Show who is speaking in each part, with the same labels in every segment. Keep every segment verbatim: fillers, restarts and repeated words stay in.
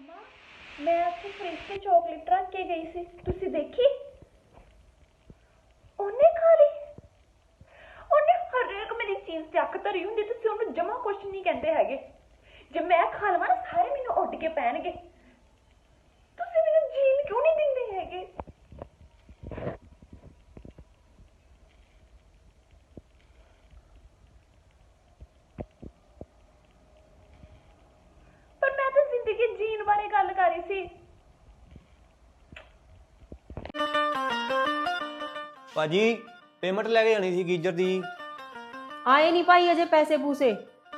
Speaker 1: मैं ਇੱਥੇ ਫ੍ਰਿਜ ਤੇ ਚਾਕਲੇਟ ਰੱਖ ਕੇ ਗਈ ਸੀ, ਤੁਸੀਂ ਦੇਖੀ? ਉਹਨੇ ਖਾ ਲਈ। ਉਹਨੇ ਹਰੇਕ ਮੇਰੀ ਚੀਜ਼ ਚੱਕ ਧਰੀ ਹੁੰਦੀ, ਤੁਸੀਂ ਉਹਨੂੰ ਜਮਾ ਕੁਛ ਨਹੀਂ ਕਹਿੰਦੇ ਹੈਗੇ। ਜੇ ਮੈਂ ਖਾ ਲਵਾਂ ਨਾ ਸਾਰੇ ਮੈਨੂੰ ਉੱਡ ਕੇ ਪੈਣਗੇ। ਤੁਸੀਂ ਮੈਨੂੰ ਜੀਣ ਕਿਉਂ ਨਹੀਂ ਦਿੰਦੇ ਹੈਗੇ? ਪਰ ਮੈਂ ਤਾਂ ਜ਼ਿੰਦਗੀ ਜੀਣ ਬਾਰੇ ਗੱਲ ਕਰ ਰਹੀ ਸੀ।
Speaker 2: ਭਾਜੀ ਪੇਮੈਂਟ ਲੈ ਕੇ ਜਾਣੀ ਸੀ ਗੀਜਰ ਦੀ।
Speaker 3: ਆਏ ਨਹੀਂ ਭਾਈ ਅਜੇ ਪੈਸੇ ਪੂਸੇ।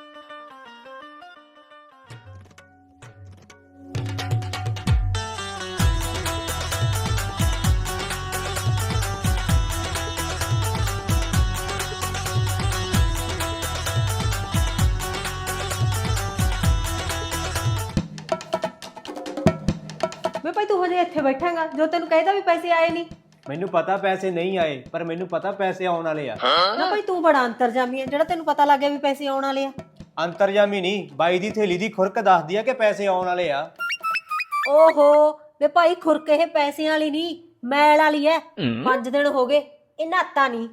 Speaker 3: ਵੇ ਭਾਈ ਤੂੰ ਹਜੇ ਇੱਥੇ ਬੈਠਾਂਗਾ, ਜੋ ਤੈਨੂੰ ਕਹਿੰਦਾ ਵੀ ਪੈਸੇ ਆਏ ਨਹੀਂ।
Speaker 2: ਮੈਨੂੰ ਪਤਾ ਪੈਸੇ ਨਹੀਂ ਆਏ, ਪਰ ਮੈਨੂੰ ਪਤਾ ਪੈਸੇ ਆਉਣ ਵਾਲੇ ਆ।
Speaker 3: ਨਾ ਭਾਈ ਤੂੰ ਬੜਾ ਅੰਤਰਜਾਮੀ ਹੈ, ਜਿਹੜਾ ਤੈਨੂੰ ਪਤਾ ਲੱਗ ਗਿਆ ਵੀ ਪੈਸੇ ਆਉਣ ਵਾਲੇ ਆ।
Speaker 2: ਅੰਤਰਜਾਮੀ ਨਹੀਂ, ਬਾਈ ਦੀ ਥੈਲੀ ਦੀ ਖੁਰਕ ਦੱਸਦੀ ਆ ਕਿ ਪੈਸੇ ਆਉਣ ਵਾਲੇ ਆ।
Speaker 3: ਓਹੋ ਵੇ ਭਾਈ ਖੁਰਕ ਇਹ ਪੈਸਿਆਂ ਵਾਲੀ ਨਹੀਂ, ਮੈਲ ਵਾਲੀ ਐ। ਪੰਜ ਦਿਨ ਹੋ ਗਏ ਇਹ ਨਾਤਾ ਨਹੀਂ।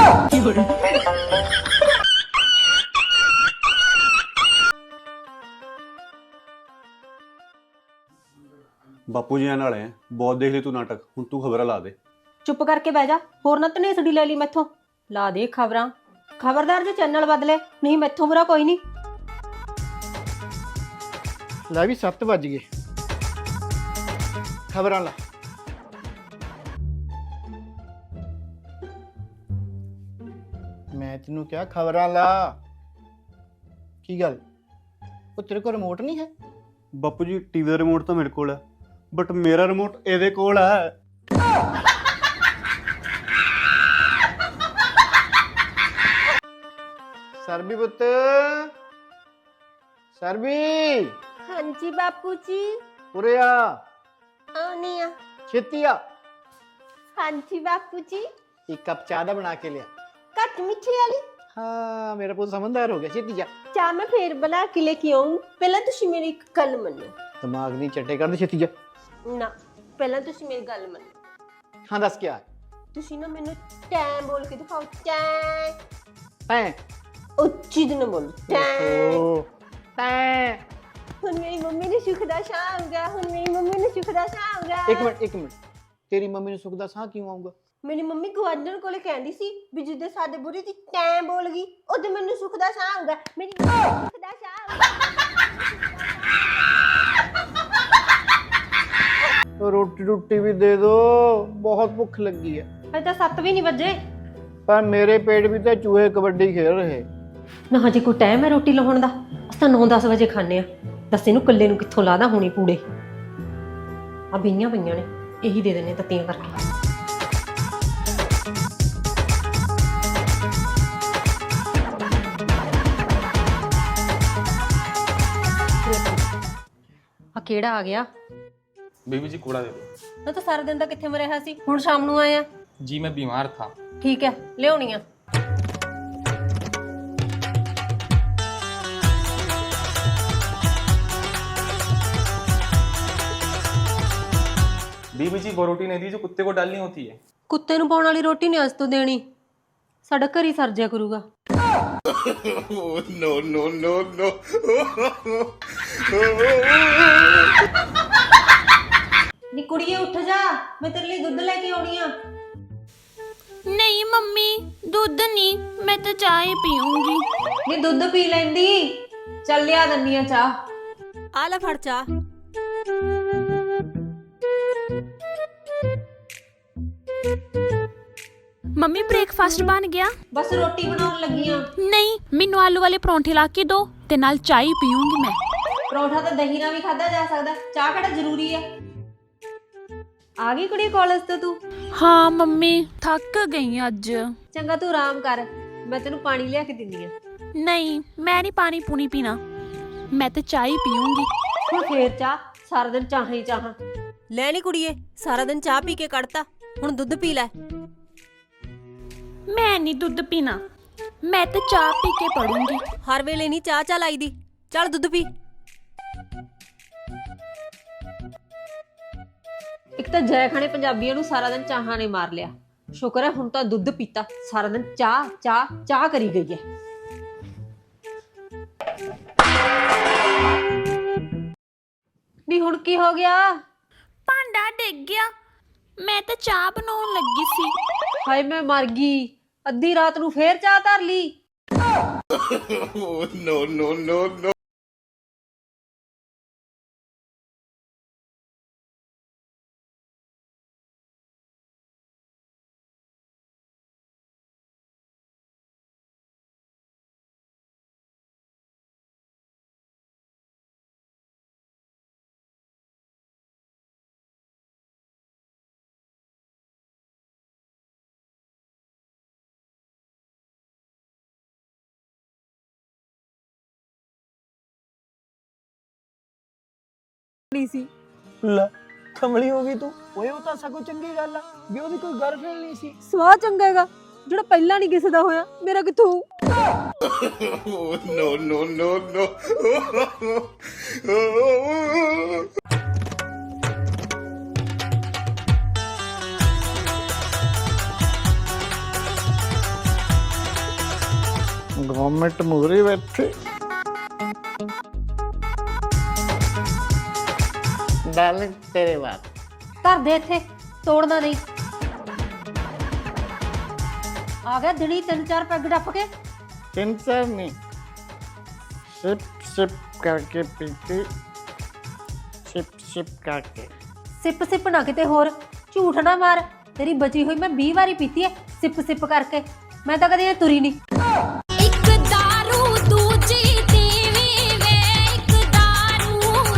Speaker 4: ਬਾਪੂ ਜੀ ਨਾਲ ਹੈ, ਬਹੁਤ ਦੇਖ ਲਈ ਤੂੰ ਨਾਟਕ, ਹੁਣ ਤੂੰ ਖਬਰਾਂ ਲਾ ਦੇ।
Speaker 3: ਚੁੱਪ ਕਰਕੇ ਬਹਿ ਜਾ, ਹੋਰ ਨਾ ਧਨੇਸੜੀ ਲੈ ਲਈ ਮੈਥੋਂ। ਲਾ ਦੇ ਖਬਰਾਂ। ਖਬਰਦਾਰ ਜੇ ਚੈਨਲ ਬਦਲੇ, ਨਹੀਂ ਮੈਥੋਂ ਬੁਰਾ ਕੋਈ ਨਹੀਂ।
Speaker 5: ਲੈ ਵੀ ਸੱਤ ਵੱਜ ਗਏ, ਖਬਰਾਂ ਲਾ। ਮੈਂ ਤੈਨੂੰ ਕਿਹਾ ਖਬਰਾਂ ਲਾ। ਕੀ ਗੱਲ, ਉਹ ਤੇਰੇ ਕੋਲ ਰਿਮੋਟ ਨਹੀਂ ਹੈ?
Speaker 4: ਬਾਪੂ ਜੀ ਟੀਵੀ ਦਾ ਰਿਮੋਟ ਤਾਂ ਮੇਰੇ ਕੋਲ ਹੈ, ਬਟ ਮੇਰਾ ਰਿਮੋਟ ਇਹਦੇ ਕੋਲ ਹੈ।
Speaker 5: ਸਰਬੀ ਪੁੱਤ, ਸਰਬੀ
Speaker 3: ਹਾਂਜੀ ਬਾਪੂ ਜੀ।
Speaker 5: ਉਰੇ ਆ,
Speaker 3: ਆਉਣੀ ਆ।
Speaker 5: ਛੇਤੀ ਆ।
Speaker 3: ਹਾਂਜੀ ਬਾਪੂ ਜੀ।
Speaker 5: ਇੱਕ ਕੱਪ ਚਾਹ ਦਾ ਬਣਾ ਕੇ ਲਿਆ।
Speaker 3: ਘੱਟ ਮਿੱਠੀ ਵਾਲੀ।
Speaker 5: ਹਾਂ ਮੇਰਾ ਪੁੱਤ ਸਮਝਦਾਰ ਹੋ ਗਿਆ, ਛੇਤੀ ਜਾ।
Speaker 3: ਚਾਹ ਮੈਂ ਫੇਰ ਬਣਾ ਕੇ ਲੈ ਕੇ ਆਉਂ, ਪਹਿਲਾਂ ਤੁਸੀਂ ਮੇਰੀ ਇੱਕ ਗੱਲ ਮੰਨੋ।
Speaker 5: ਦਿਮਾਗ ਨਹੀਂ ਚੱਟੇ ਕਰਦੇ, ਛੇਤੀ ਜਾ।
Speaker 3: ਨਾ ਪਹਿਲਾਂ ਤੁਸੀਂ ਮੇਰੀ ਗੱਲ ਮੰਨੋ।
Speaker 5: ਹਾਂ ਦੱਸ ਕਿਆ?
Speaker 3: ਤੁਸੀਂ ਨਾ ਮੈਨੂੰ ਟੈਂ ਬੋਲ ਕੇ ਦਿਖਾਓ। ਟੈਂ
Speaker 5: ਤੈਂ
Speaker 3: ਉੱਚੀ ਦਿਨ ਬੋਲੋ। ਟੈਂ
Speaker 5: ਓ ਤੈਂ।
Speaker 3: ਹੁਣ ਮੇਰੀ ਮੰਮੀ ਨੇ ਸੁੱਖ ਦਾ ਸਾਹ ਆਊਗਾ। ਹੁਣ ਮੇਰੀ ਮੰਮੀ ਨੇ ਸੁੱਖ ਦਾ ਸਾਹ ਆਊਗਾ।
Speaker 5: ਇੱਕ ਮਿੰਟ ਇੱਕ ਮਿੰਟ, ਤੇਰੀ ਮੰਮੀ ਨੂੰ ਸੁੱਖ ਦਾ ਸਾਹ ਕਿਉਂ ਆਊਗਾ?
Speaker 3: ਮੇਰੀ ਮੰਮੀ ਗਵਾਂਢਣ ਕੋਲੇ ਕਹਿੰਦੀ ਸੀ ਵੀ ਜਿੱਦੇ ਸਾਡੇ ਬੁਰੀ ਦੀ ਟੈਂ ਬੋਲ ਗਈ ਉਹਦੇ ਮੈਨੂੰ ਸੁੱਖ ਦਾ ਸਾਹ ਆਊਗਾ। ਮੇਰੀ ਸੁੱਖ ਦਾ ਸਾਹ ਆਊਗਾ।
Speaker 5: ਰੋਟੀ ਰੋਟੀ ਵੀ ਦੇ ਦੋ, ਬਹੁਤ ਭੁੱਖ ਲੱਗੀ ਹੈ।
Speaker 3: ਅਜੇ ਤਾਂ ਸੱਤ ਵੀ ਨਹੀਂ ਵੱਜੇ,
Speaker 5: ਪਰ ਮੇਰੇ ਪੇਟ ਵਿੱਚ ਤਾਂ ਚੂਹੇ ਕਬੱਡੀ ਖੇਡ ਰਹੇ।
Speaker 3: ਨਾ ਹਜੇ ਕੋਈ ਟਾਈਮ ਹੈ ਰੋਟੀ ਲਾਉਣ ਦਾ। ਅਸੀਂ ਤਾਂ ਨੌ ਦਸ ਵਜੇ ਖਾਂਦੇ ਆ। ਦੱਸ ਇਹਨੂੰ ਇਕੱਲੇ ਨੂੰ ਕਿੱਥੋਂ ਲਾਦਾ ਹੋਣੀ ਪੂੜੇ। ਆ ਬਈਆਂ ਪਈਆਂ ਨੇ, ਇਹੀ ਦੇ ਦਿੰਦੇ ਤੱਤੀਆਂ ਕਰਕੇ। ਆ ਕਿਹੜਾ ਆ ਗਿਆ?
Speaker 6: बेबी जी कूड़ा दे दो।
Speaker 3: ਨਾ ਤਾਂ ਸਾਰਾ ਦਿਨ ਤਾਂ ਕਿੱਥੇ ਮਰਿਆ ਸੀ, ਹੁਣ ਸ਼ਾਮ ਨੂੰ ਆਇਆ।
Speaker 6: जी मैं बीमार था।
Speaker 3: ਠੀਕ ਹੈ ਲਿਆਉਣੀ ਆ।
Speaker 6: बीबी जी वो रोटी नहीं दी जो कुत्ते को डालनी होती है।
Speaker 3: ਕੁੱਤੇ ਨੂੰ ਪਾਉਣ ਵਾਲੀ ਰੋਟੀ ਨਹੀਂ ਅੱਜ ਤੋਂ ਦੇਣੀ, ਸਾਡਾ ਘਰ ਹੀ ਸਰਜਿਆ ਕਰੂਗਾ।
Speaker 7: no no no no
Speaker 3: ਨੀ ਕੁੜੀਏ ਉੱਠ ਜਾ, ਮੈਂ ਤੇਰੇ ਲਈ ਦੁੱਧ ਲੈ ਕੇ ਆਉਣੀ ਆ।
Speaker 8: ਨਹੀਂ ਮੰਮੀ ਦੁੱਧ ਨਹੀਂ, ਮੈਂ ਤਾਂ ਚਾਹ ਹੀ ਪੀਉਂਗੀ।
Speaker 3: ਨੀ ਦੁੱਧ ਪੀ ਲੈਂਦੀ, ਚੱਲ ਲਿਆ ਦੰਨੀ ਆ ਚਾਹ। ਆ ਲੈ ਫੜ ਚਾਹ।
Speaker 8: ਮੰਮੀ ਬ੍ਰੇਕਫਾਸਟ ਬਣ ਗਿਆ?
Speaker 3: ਬਸ ਰੋਟੀ ਬਣਾਉਣ ਲੱਗੀ ਆ।
Speaker 8: ਨਹੀਂ ਮੈਨੂੰ ਆਲੂ ਵਾਲੇ ਪਰੌਂਠੇ ਲਾ ਕੇ ਦੋ ਤੇ ਨਾਲ ਚਾਹ ਹੀ ਪੀਉਂਗੀ ਮੈਂ।
Speaker 3: ਪਰੌਂਠਾ ਤਾਂ ਦਹੀਂ ਨਾਲ ਵੀ ਖਾਧਾ ਜਾ ਸਕਦਾ, ਚਾਹ ਕਿਹੜਾ ਜ਼ਰੂਰੀ ਆ। ਆ ਗਈ ਕੁੜੀ ਕਾਲਜ ਤੋਂ ਤੂੰ?
Speaker 8: ਹਾਂ ਮੰਮੀ ਥੱਕ ਗਈ ਅੱਜ।
Speaker 3: ਚੰਗਾ ਤੂੰ ਆਰਾਮ ਕਰ, ਮੈਂ ਤੈਨੂੰ ਪਾਣੀ ਲਿਆ ਕੇ ਦਿੰਦੀ ਆ।
Speaker 8: ਨਹੀਂ ਮੈਂ ਨਹੀਂ ਪਾਣੀ ਪੂਣੀ ਪੀਣਾ, ਮੈਂ ਤਾਂ ਚਾਹ ਹੀ ਪੀਉਂਗੀ।
Speaker 3: ਹੁਣ ਫੇਰ ਚਾਹ? ਸਾਰਾ ਦਿਨ ਚਾਹਾਂ ਹੀ ਚਾਹਾਂ। ਲੈ ਨੀ ਕੁੜੀਏ, ਸਾਰਾ ਦਿਨ ਚਾਹ ਪੀ ਕੇ ਕੱਢਤਾ, ਹੁਣ ਦੁੱਧ ਪੀ ਲੈ।
Speaker 8: ਮੈਂ ਨਹੀਂ ਦੁੱਧ ਪੀਣਾ, ਮੈਂ ਤਾਂ ਚਾਹ ਪੀ ਕੇ ਪੜੂੰਗੀ।
Speaker 3: ਹਰ ਵੇਲੇ ਨਹੀਂ ਚਾਹ ਚਾਹ ਲਾਈ ਦੀ, ਚੱਲ ਦੁੱਧ ਪੀ। ਤਾਂ ਜੈ ਖਾਣੇ ਪੰਜਾਬੀਆਂ ਨੂੰ ਸਾਰਾ ਦਿਨ ਚਾਹਾਂ ਨੇ ਮਾਰ ਲਿਆ। ਸ਼ੁਕਰ ਹੈ ਹੁਣ ਤਾਂ ਦੁੱਧ ਪੀਤਾ, ਸਾਰਾ ਦਿਨ ਚਾਹ ਚਾਹ ਚਾਹ ਕਰੀ ਗਈ ਹੈ। ਨੀ ਹੁਣ ਕੀ ਹੋ ਗਿਆ?
Speaker 8: ਭਾਂਡਾ ਡਿੱਗ ਗਿਆ। ਮੈਂ ਤਾਂ ਚਾਹ ਬਣਾਉਣ ਲੱਗੀ ਸੀ।
Speaker 3: ਹਾਏ ਮੈਂ ਮਰ ਗਈ, ਅੱਧੀ ਰਾਤ ਨੂੰ ਫੇਰ ਚਾਹ ਧਰ ਲਈ।
Speaker 5: ਨੋ ਨੋ ਨੋ ਨੋ
Speaker 3: ਸੀ
Speaker 2: ਲੈ ਕਮਲੀ ਹੋ ਗਈ ਤੂੰ।
Speaker 5: ਓਏ ਉਹ ਤਾਂ ਸਗੋਂ ਚੰਗੀ ਗੱਲ ਆ ਵੀ ਉਹਦੀ ਕੋਈ ਗਰਲਫ੍ਰੈਂਡ ਨਹੀਂ ਸੀ।
Speaker 3: ਸਵਾਹ ਚੰਗਾ ਹੈਗਾ ਜਿਹੜਾ ਪਹਿਲਾਂ ਨਹੀਂ ਕਿਸੇ ਦਾ ਹੋਇਆ, ਮੇਰਾ ਕਿੱਥੋਂ ਹੋਊ?
Speaker 5: ਨੋ ਨੋ ਨੋ ਨੋ ਗਵਰਨਮੈਂਟ ਮੂਰੇ ਬੈਠੇ ਡਾਰਲਿੰਗ ਤੇਰੇ ਬਾਤ
Speaker 3: ਧਰ ਦੇ ਇੱਥੇ, ਤੋੜਨਾ ਨਹੀਂ। ਆ ਗਿਆ ਦਿਨੀ ਤਿੰਨ ਚਾਰ ਪੈਗ ਡੱਫ ਕੇ।
Speaker 5: ਤਿੰਨ ਚਾਰ ਨਹੀਂ ਸਿਪ ਸਿਪ ਕਰਕੇ ਪੀਤੀ ਸਿਪ ਸਿਪ ਕਰਕੇ
Speaker 3: ਸਿਪ ਸਿਪ ਨਾ ਕਿਤੇ ਹੋਰ ਝੂਠ ਨਾ ਮਾਰ। ਤੇਰੀ ਬਚੀ ਹੋਈ ਮੈਂ ਵੀਹ ਵਾਰੀ ਪੀਤੀ ਐ ਸਿਪ ਸਿਪ ਕਰਕੇ। ਮੈਂ ਤਾਂ ਕਦੇ ਤੁਰੀ ਨਹੀਂ।
Speaker 8: ਇੱਕ ਦਾਰੂ ਦੂਜੀ ਤੀਵੀਂ ਵੇ ਇੱਕ ਦਾਰੂ।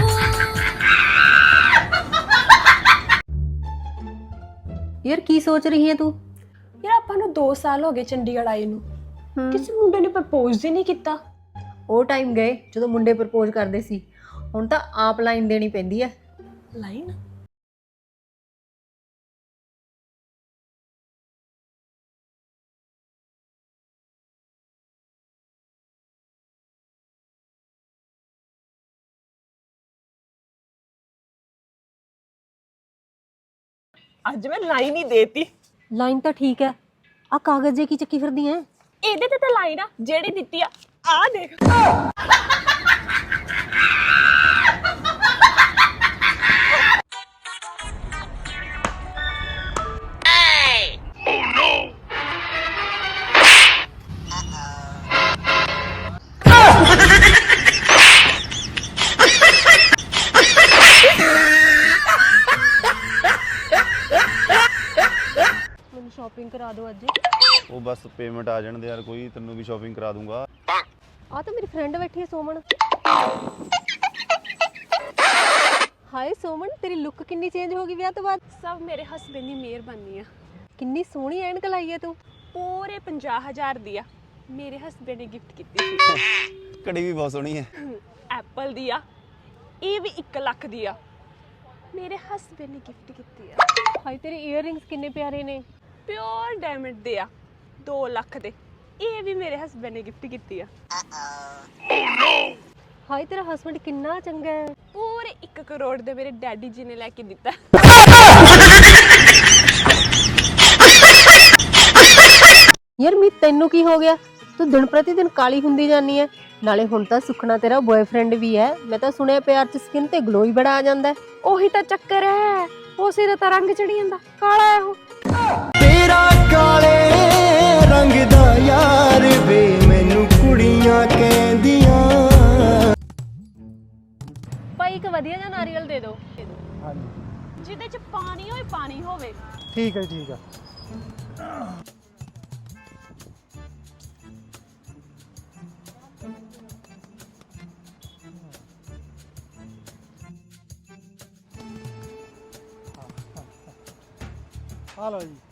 Speaker 3: ਯਾਰ ਕੀ ਸੋਚ ਰਹੀ ਹੈ ਤੂੰ?
Speaker 7: ਯਾਰ ਆਪਾਂ ਨੂੰ ਦੋ ਸਾਲ ਹੋ ਗਏ ਚੰਡੀਗੜ੍ਹ ਆਏ ਨੂੰ, ਕਿਸੇ ਮੁੰਡੇ ਨੇ ਪ੍ਰਪੋਜ਼ ਹੀ ਨਹੀਂ ਕੀਤਾ।
Speaker 3: ਉਹ ਟਾਈਮ ਗਏ ਜਦੋਂ ਮੁੰਡੇ ਪ੍ਰਪੋਜ਼ ਕਰਦੇ ਸੀ, ਹੁਣ ਤਾਂ ਆਪ ਲਾਈਨ ਦੇਣੀ ਪੈਂਦੀ ਐ।
Speaker 7: ਲਾਈਨ ਅੱਜ ਮੈਂ ਲਾਈਨ ਹੀ ਦੇਤੀ।
Speaker 3: ਲਾਈਨ ਤਾਂ ਠੀਕ ਐ, ਆ ਕਾਗਜ਼ ਜੇ ਕੀ ਚੱਕੀ ਫਿਰਦੀ ਐ?
Speaker 7: ਇਹਦੇ ਤੇ ਤਾਂ ਲਾਈਨ ਆ ਜਿਹੜੀ ਦਿੱਤੀ ਆ, ਆ ਦੇਖ।
Speaker 3: ਮੈਨੂੰ ਸ਼ਾਪਿੰਗ ਕਰਾ ਦਿਓ ਅੱਜ।
Speaker 4: ਉਹ ਬਸ ਪੇਮੈਂਟ ਆ ਜਾਣ ਦੇ ਯਾਰ, ਕੋਈ ਤੈਨੂੰ ਵੀ ਸ਼ਾਪਿੰਗ ਕਰਾ ਦੂੰਗਾ।
Speaker 3: ਆ ਤਾਂ ਮੇਰੀ ਫਰੈਂਡ ਬੈਠੀ ਹੈ ਸੋਮਨ। ਹਾਏ ਸੋਮਨ, ਤੇਰੀ ਲੁੱਕ ਕਿੰਨੀ ਚੇਂਜ ਹੋ ਗਈ ਵਿਆਹ ਤੋਂ ਬਾਅਦ।
Speaker 7: ਸਭ ਮੇਰੇ ਹਸਬੈਂਡ ਦੀ ਮਿਹਰਬਾਨੀ ਆ।
Speaker 3: ਕਿੰਨੀ ਸੋਹਣੀ ਐਨਕ ਲਾਈ ਹੈ ਤੂੰ।
Speaker 7: ਪੂਰੇ ਪੰਜਾਹ ਹਜ਼ਾਰ ਦੀ ਆ, ਮੇਰੇ ਹਸਬੈਂਡ ਨੇ ਗਿਫਟ ਕੀਤੀ ਸੀ।
Speaker 4: ਘੜੀ ਵੀ ਬਹੁਤ ਸੋਹਣੀ ਹੈ।
Speaker 7: ਐਪਲ ਦੀ ਆ, ਇਹ ਵੀ ਇੱਕ ਲੱਖ ਦੀ ਆ, ਮੇਰੇ ਹਸਬੈਂਡ ਨੇ ਗਿਫਟ ਕੀਤੀ ਆ।
Speaker 3: ਹਾਏ ਤੇਰੇ ਈਅਰਿੰਗਸ ਕਿੰਨੇ ਪਿਆਰੇ ਨੇ।
Speaker 7: ਪਿਓਰ ਡਾਇਮੰਡ ਦੇ ਆ, ਦੋ ਲੱਖ ਦੇ, ਇਹ ਵੀ ਮੇਰੇ ਹਸਬੈਂਡ ਨੇ ਗਿਫਟ ਕੀਤੀ ਆ।
Speaker 3: ਹਾਏ ਤੇਰਾ ਹਸਬੈਂਡ ਕਿੰਨਾ ਚੰਗਾ ਹੈ।
Speaker 7: ਪੂਰੇ ਇੱਕ ਕਰੋੜ ਦੇ ਮੇਰੇ ਡੈਡੀ ਜੀ ਨੇ ਲੈ ਕੇ ਦਿੱਤਾ।
Speaker 3: ਯਾਰ ਮੀ ਤੈਨੂੰ ਕੀ ਹੋ ਗਿਆ? ਤੂੰ ਦਿਨ ਪ੍ਰਤੀ ਦਿਨ ਕਾਲੀ ਹੁੰਦੀ ਜਾਂਦੀ ਹੈ। ਨਾਲੇ ਹੁਣ ਤਾਂ ਸੁਖਣਾ ਤੇਰਾ ਬॉयਫ੍ਰੈਂਡ ਵੀ ਹੈ। ਮੈਂ ਤਾਂ ਸੁਣਿਆ ਪਿਆਰ ਚ ਸਕਿਨ ਤੇ ਗਲੋ ਹੀ ਬੜਾ ਆ ਜਾਂਦਾ ਹੈ।
Speaker 7: ਉਹੀ ਤਾਂ ਚੱਕਰ ਹੈ, ਉਸੇ ਦਾ ਤਾਂ ਰੰਗ ਚੜੀ ਜਾਂਦਾ, ਕਾਲਾ ਹੈ ਉਹ।
Speaker 9: ਤੇਰਾ ਕਾਲੇ ਰੰਗ ਦਾ ਯਾਰ ਵੇ ਮੈਨੂੰ ਕੁੜੀਆਂ ਕਹਿੰਦੀਆਂ।
Speaker 7: ਭਾਈ ਇੱਕ ਵਧੀਆ ਜਿਹਾ ਨਾਰੀਅਲ ਦੇ ਦਿਓ। ਜਿਹਦੇ ਚ ਪਾਣੀ ਹੋਏ, ਪਾਣੀ ਹੋਵੇ।
Speaker 5: ਠੀਕ ਹੈ ਠੀਕ ਹੈ। ਆ ਲਓ ਜੀ।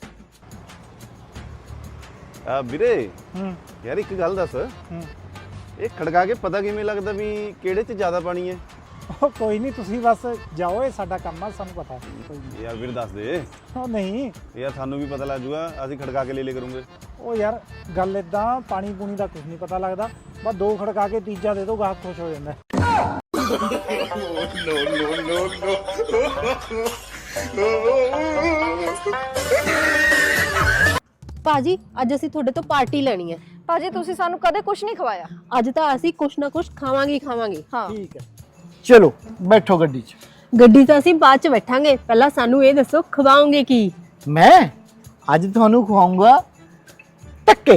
Speaker 4: ਆ ਵੀਰੇ
Speaker 5: ਹੂੰ
Speaker 4: ਯਾਰ ਇੱਕ ਗੱਲ ਦੱਸ,
Speaker 5: ਹੂੰ
Speaker 4: ਇਹ ਖੜਕਾ ਕੇ ਪਤਾ ਕਿਵੇਂ ਲੱਗਦਾ ਵੀ ਕਿਹੜੇ 'ਚ ਜ਼ਿਆਦਾ ਪਾਣੀ ਹੈ?
Speaker 10: ਉਹ ਕੋਈ ਨਹੀਂ, ਤੁਸੀਂ ਬਸ ਜਾਓ, ਇਹ ਸਾਡਾ ਕੰਮ ਆ, ਸਾਨੂੰ ਪਤਾ। ਕੋਈ ਨਹੀਂ।
Speaker 4: ਯਾਰ ਵੀਰ ਦੱਸ ਦੇ।
Speaker 10: ਉਹ ਨਹੀਂ,
Speaker 4: ਯਾਰ ਸਾਨੂੰ ਵੀ ਪਤਾ ਲੱਗ ਜੂਗਾ, ਅਸੀਂ ਖੜਕਾ ਕੇ ਲੈ ਲੈ ਕਰੂੰਗੇ।
Speaker 10: ਉਹ ਯਾਰ ਗੱਲ ਇਦਾਂ, ਪਾਣੀ ਪੂਣੀ ਦਾ ਕੁਝ ਨਹੀਂ ਪਤਾ ਲੱਗਦਾ, ਬਸ ਦੋ ਖੜਕਾ ਕੇ ਤੀਜਾ ਦੇ ਦੋ, ਗਾਹਕ ਖੁਸ਼ ਹੋ ਜਾਂਦਾ।
Speaker 5: ਨੋ ਨੋ ਨੋ ਨੋ
Speaker 3: ਭਾਜੀ ਅੱਜ ਅਸੀਂ ਤੁਹਾਡੇ ਤੋਂ ਪਾਰਟੀ ਲੈਣੀ ਹੈ।
Speaker 1: ਭਾਜੀ ਤੁਸੀਂ ਸਾਨੂੰ ਕਦੇ ਕੁਝ ਨਹੀਂ ਖਵਾਇਆ।
Speaker 3: ਅੱਜ ਤਾਂ ਅਸੀਂ ਕੁਛ ਨਾ ਕੁਛ ਖਾਵਾਂਗੇ ਹੀ ਖਾਵਾਂਗੇ।
Speaker 1: ਹਾਂ
Speaker 5: ਠੀਕ ਹੈ, ਚਲੋ ਬੈਠੋ ਗੱਡੀ 'ਚ।
Speaker 3: ਗੱਡੀ ਤਾਂ ਅਸੀਂ ਬਾਅਦ ਚ ਬੈਠਾਂਗੇ, ਪਹਿਲਾਂ ਸਾਨੂੰ ਇਹ ਦੱਸੋ ਖਵਾਓਗੇ ਕੀ?
Speaker 5: ਮੈਂ ਅੱਜ ਤੁਹਾਨੂੰ ਖਵਾਉਂਗਾ ਟੱਕੇ।